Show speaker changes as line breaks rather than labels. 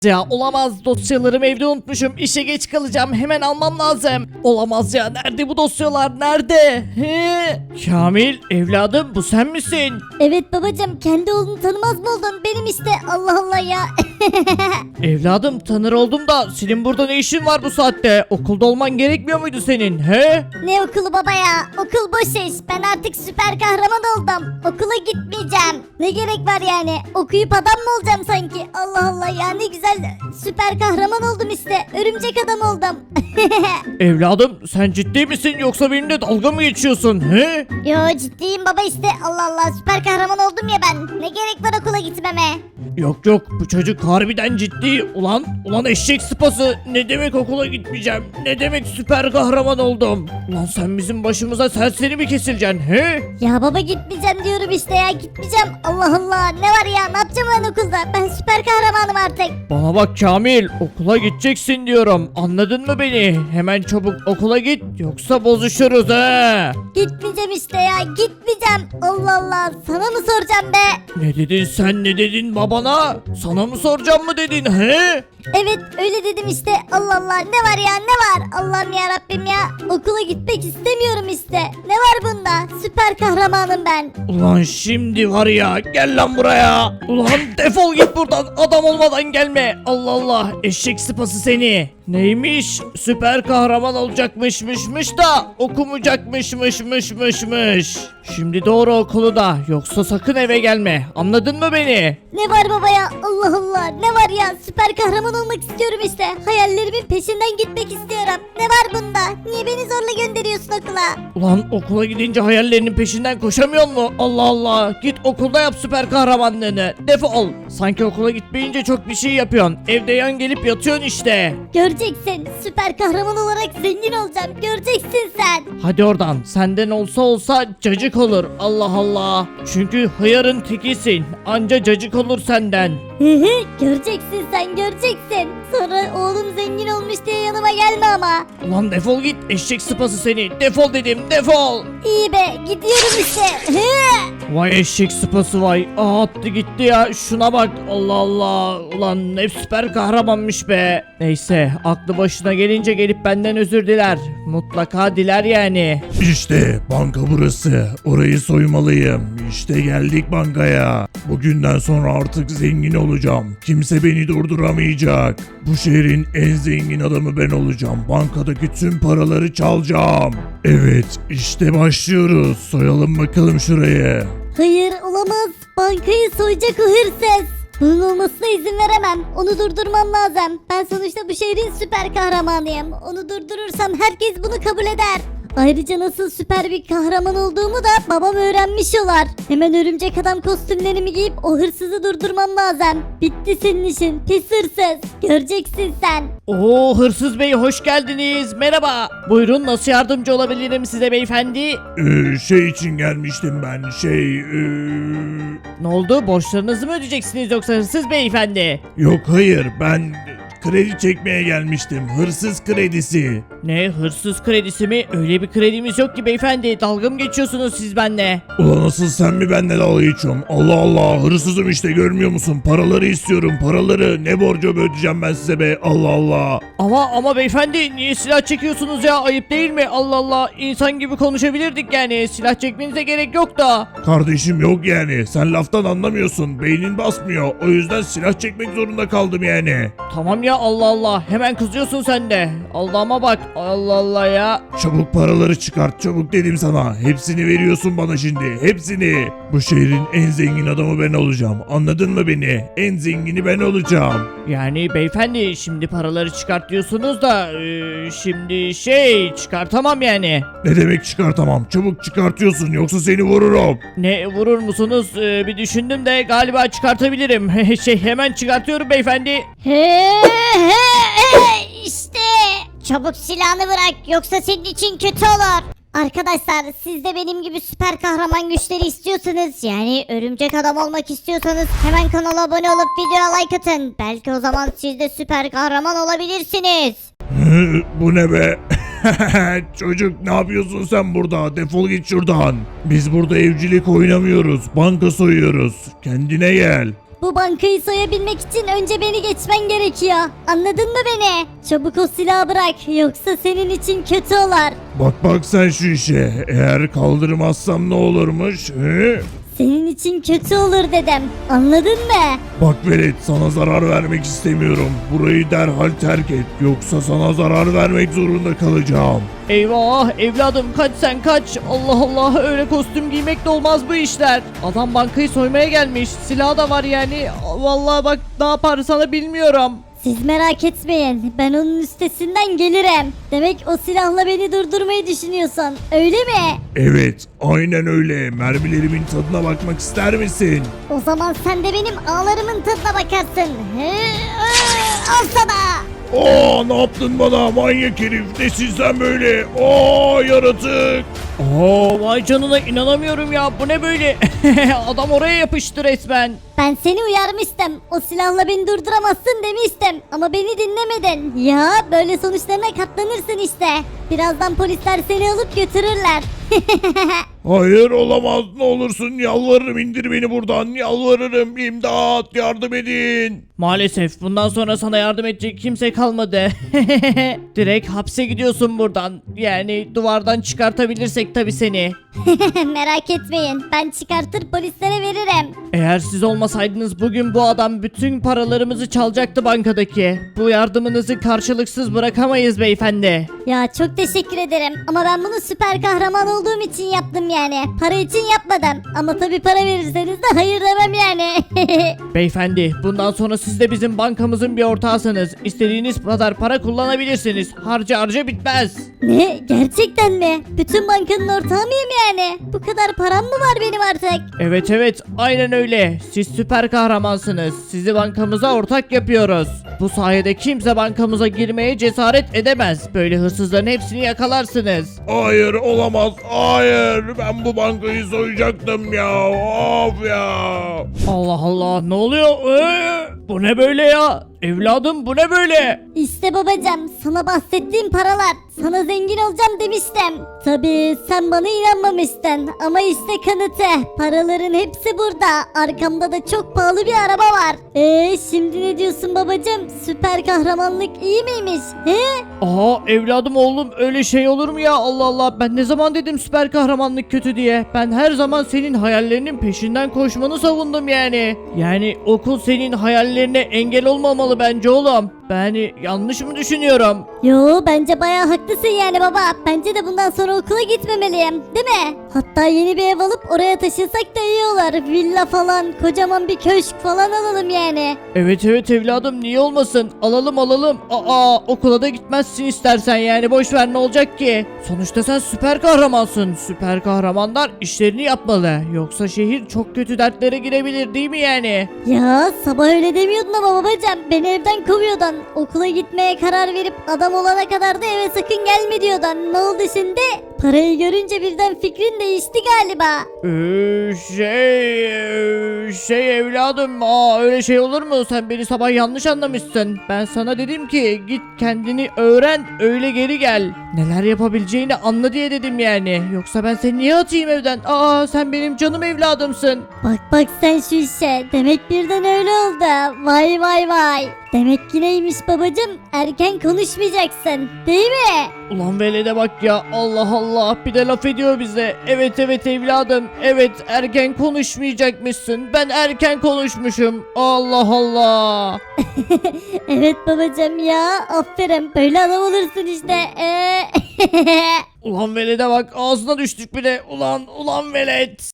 Ya olamaz, dosyalarımı evde unutmuşum, işe geç kalacağım, hemen almam lazım. Olamaz ya, nerede bu dosyalar, nerede? Kamil evladım, bu sen misin?
Evet babacım, kendi oğlunu tanımaz mı oldun? Benim işte, Allah Allah ya.
Evladım, tanır oldum da senin burada ne işin var bu saatte? Okulda olman gerekmiyor muydu senin, he?
Ne okulu baba ya? Okul boş iş. Ben artık süper kahraman oldum. Okula gitmeyeceğim. Ne gerek var yani? Okuyup adam mı olacağım sanki? Allah Allah ya, ne güzel süper kahraman oldum işte. Örümcek adam oldum.
Evladım, sen ciddi misin yoksa benimle dalga mı geçiyorsun, he?
Yo, ciddiyim baba işte. Allah Allah, süper kahraman oldum ya ben. Ne gerek var okula gitmeme?
Yok yok, bu çocuk harbiden ciddi. Ulan eşek sıpası, ne demek okula gitmeyeceğim, ne demek süper kahraman oldum. Ulan sen bizim başımıza serseri mi kesileceksin, he?
Ya baba, gitmeyeceğim diyorum işte ya, gitmeyeceğim. Allah Allah, ne var ya, ne yapacağım ben okulda? Ben süper kahramanım artık.
Bana bak Kamil, okula gideceksin diyorum, anladın mı beni? Hemen çabuk okula git, yoksa bozuşuruz he.
Gitmeyeceğim işte ya, gitmeyeceğim. Allah Allah, sana mı soracağım be?
Ne dedin sen, ne dedin babana? Sana mı soracağım mı dedin, he?
Evet, öyle dedim işte. Allah Allah, ne var ya, ne var? Allah'ım ya Rabbim ya, okula gitmek istemiyorum işte. Ne var bunda? Süper kahramanım ben.
Ulan şimdi var ya, gel lan buraya. Ulan defol git buradan, adam olmadan gelme. Allah Allah, eşek sıpası seni. Neymiş? Süper kahraman olacakmışmış da okumayacakmışmış. Şimdi doğru okulu da, yoksa sakın eve gelme. Anladın mı beni?
Ne var baba ya? Allah Allah, ne var ya? Süper kahraman olmak istiyorum işte. Hayallerimin peşinden gitmek istiyorum. Ne var bunda? Niye beni zorla gönderiyorsun okula?
Ulan okula gidince hayallerinin peşinden koşamıyor mu? Allah Allah. Git okulda yap süper kahramanlığını. Defol. Sanki okula gitmeyince çok bir şey yapıyorsun. Evde yan gelip yatıyorsun işte.
Göreceksin, süper kahraman olarak zengin olacağım. Göreceksin sen.
Hadi oradan. Senden olsa cacık olur. Allah Allah. Çünkü hıyarın tekisin. Anca cacık olur senden.
Göreceksin sen, göreceksin. Sonra oğlum zengin olmuş diye yanıma gelme ama.
Ulan defol git, eşek sıpası seni. Defol dedim, defol.
İyi be, gidiyorum işte.
Vay eşek sıpası vay. Aa, attı gitti ya. Şuna bak. Allah Allah. Ulan ne süper kahramanmış be. Neyse, aklı başına gelince gelip benden özür diler. Mutlaka diler yani.
İşte banka burası. Orayı soymalıyım. İşte geldik bankaya. Bugünden sonra artık zengin olacağım. Kimse beni durduramayacak. Bu şehrin en zengin adamı ben olacağım. Bankadaki tüm paraları çalacağım. Evet, işte başlıyoruz. Soyalım bakalım şurayı.
Hayır, olamaz. Bankayı soyacak o hırsız. Bunun olmasına izin veremem. Onu durdurmam lazım. Ben sonuçta bu şehrin süper kahramanıyım. Onu durdurursam herkes bunu kabul eder. Ayrıca nasıl süper bir kahraman olduğumu da babam öğrenmiş olar. Hemen örümcek adam kostümlerimi giyip o hırsızı durdurmam lazım. Bitti senin işin, pis hırsız. Göreceksin sen.
Oo, hırsız bey hoş geldiniz. Merhaba. Buyurun, nasıl yardımcı olabilirim size beyefendi?
Şey için gelmiştim ben.
Ne oldu? Borçlarınızı mı ödeyeceksiniz yoksa hırsız beyefendi?
Yok hayır, ben kredi çekmeye gelmiştim. Hırsız kredisi.
Ne, hırsız kredisi mi? Öyle bir kredimiz yok ki beyefendi. Dalga mı geçiyorsunuz siz benimle?
Ulan asıl sen mi benimle dalga geçiyorsun? Allah Allah, hırsızım işte, görmüyor musun? Paraları istiyorum, paraları. Ne borcu ödeyeceğim ben size be? Allah Allah.
Ama beyefendi, niye silah çekiyorsunuz ya? Ayıp değil mi? Allah Allah, insan gibi konuşabilirdik yani. Silah çekmenize gerek yok da.
Kardeşim yok yani. Sen laftan anlamıyorsun. Beynin basmıyor. O yüzden silah çekmek zorunda kaldım yani.
Tamam ya, Allah Allah, hemen kızıyorsun sen de. Allah'ıma bak, Allah Allah ya.
Çabuk paraları çıkart, çabuk dedim sana. Hepsini veriyorsun bana şimdi. Hepsini. Bu şehrin en zengin adamı ben olacağım. Anladın mı beni? En zengini ben olacağım.
Yani beyefendi, şimdi paraları çıkart diyorsunuz da şimdi çıkartamam yani.
Ne demek çıkartamam? Çabuk çıkartıyorsun yoksa seni vururum.
Ne, vurur musunuz? Bir düşündüm de galiba çıkartabilirim. Hemen çıkartıyorum beyefendi.
İşte. Çabuk silahını bırak, yoksa senin için kötü olur. Arkadaşlar, siz de benim gibi süper kahraman güçleri istiyorsanız, yani örümcek adam olmak istiyorsanız hemen kanala abone olup videoya like atın. Belki o zaman siz de süper kahraman olabilirsiniz.
Bu ne be? Çocuk, ne yapıyorsun sen burada? Defol git şuradan. Biz burada evcilik oynamıyoruz. Banka soyuyoruz. Kendine gel.
Bu bankayı soyabilmek için önce beni geçmen gerekiyor. Anladın mı beni? Çabuk o silahı bırak yoksa senin için kötü olur.
Bak sen şu işe. Eğer kaldırmazsam ne olurmuş? He?
Senin için kötü olur dedim. Anladın mı?
Bak velet, sana zarar vermek istemiyorum. Burayı derhal terk et. Yoksa sana zarar vermek zorunda kalacağım.
Eyvah evladım kaç sen kaç. Allah Allah öyle kostüm giymekle olmaz bu işler. Adam bankayı soymaya gelmiş. Silahı da var yani. Vallahi bak ne yapar sana bilmiyorum.
Siz merak etmeyin. Ben onun üstesinden gelirim. Demek o silahla beni durdurmayı düşünüyorsun. Öyle mi?
Evet, aynen öyle. Mermilerimin tadına bakmak ister misin?
O zaman sen de benim ağlarımın tadına bakarsın. Al sana.
Aa, ne yaptın bana manyak herif? Nesin sen böyle? Aa, yaratık.
Oo vay canına inanamıyorum ya bu ne böyle. Adam oraya yapıştı resmen.
Ben seni uyarmıştım. O silahla beni durduramazsın demiştim. Ama beni dinlemedin. Ya böyle sonuçlarına katlanırsın işte. Birazdan polisler seni alıp götürürler.
Hayır, olamaz, ne olursun yalvarırım, indir beni buradan, yalvarırım, imdat, yardım edin.
Maalesef bundan sonra sana yardım edecek kimse kalmadı. Direkt hapse gidiyorsun buradan. Yani duvardan çıkartabilirsek tabi seni.
Merak etmeyin. Ben çıkartır polislere veririm.
Eğer siz olmasaydınız bugün bu adam bütün paralarımızı çalacaktı bankadaki. Bu yardımınızı karşılıksız bırakamayız beyefendi.
Ya çok teşekkür ederim. Ama ben bunu süper kahraman olduğum için yaptım yani. Para için yapmadım. Ama tabii para verirseniz de hayır demem yani.
Beyefendi bundan sonra siz de bizim bankamızın bir ortağısınız. İstediğiniz kadar para kullanabilirsiniz. Harca bitmez.
Ne? Gerçekten mi? Bütün bankanın ortağı mıyım yani? Bu kadar param mı var benim artık?
Evet aynen öyle. Siz süper kahramansınız. Sizi bankamıza ortak yapıyoruz. Bu sayede kimse bankamıza girmeye cesaret edemez. Böyle hırsızların hepsini yakalarsınız.
Hayır, olamaz, hayır, ben bu bankayı soyacaktım ya, of ya.
Allah Allah ne oluyor? Bu ne böyle ya? Evladım bu ne böyle?
İşte babacım sana bahsettiğim paralar. Sana zengin olacağım demiştim. Tabii sen bana inanmamıştın. Ama işte kanıtı. Paraların hepsi burada. Arkamda da çok pahalı bir araba var. Şimdi ne diyorsun babacım? Süper kahramanlık iyi miymiş? He?
Aa evladım oğlum öyle şey olur mu ya? Allah Allah ben ne zaman dedim süper kahramanlık kötü diye. Ben her zaman senin hayallerinin peşinden koşmanı savundum yani. Yani okul senin hayallerine engel olmamalı bence oğlum. Ben yanlış mı düşünüyorum?
Yo bence bayağı haklısın yani baba. Bence de bundan sonra okula gitmemeliyim. Değil mi? Hatta yeni bir ev alıp oraya taşınsak da iyi olur. Villa falan, kocaman bir köşk falan alalım yani.
Evet evladım niye olmasın? Alalım. Okula da gitmezsin istersen yani boş ver ne olacak ki? Sonuçta sen süper kahramansın. Süper kahramanlar işlerini yapmalı. Yoksa şehir çok kötü dertlere girebilir değil mi yani?
Ya sabah öyle demiyordun ama babacığım. Beni evden kovuyordun. Okula gitmeye karar verip adam olana kadar da eve sakın gelme diyordun. Ne oldu şimdi? Parayı görünce birden fikrin değişti galiba.
Şey evladım öyle şey olur mu? Sen beni sabah yanlış anlamışsın. Ben sana dedim ki git kendini öğren öyle geri gel. Neler yapabileceğini anla diye dedim yani. Yoksa ben seni niye atayım evden? Sen benim canım evladımsın.
Bak sen şu işe. Demek birden öyle oldu. Vay. Demek ki neymiş babacım? Erken konuşmayacaksın. Değil mi?
Ulan velede bak ya Allah Allah bir de laf ediyor bize. Evet evladım evet erken konuşmayacakmışsın. Ben erken konuşmuşum. Allah Allah.
Evet babacım ya. Aferin. Böyle adam olursun işte.
Ulan velede bak ağzına düştük bile. Ulan velet.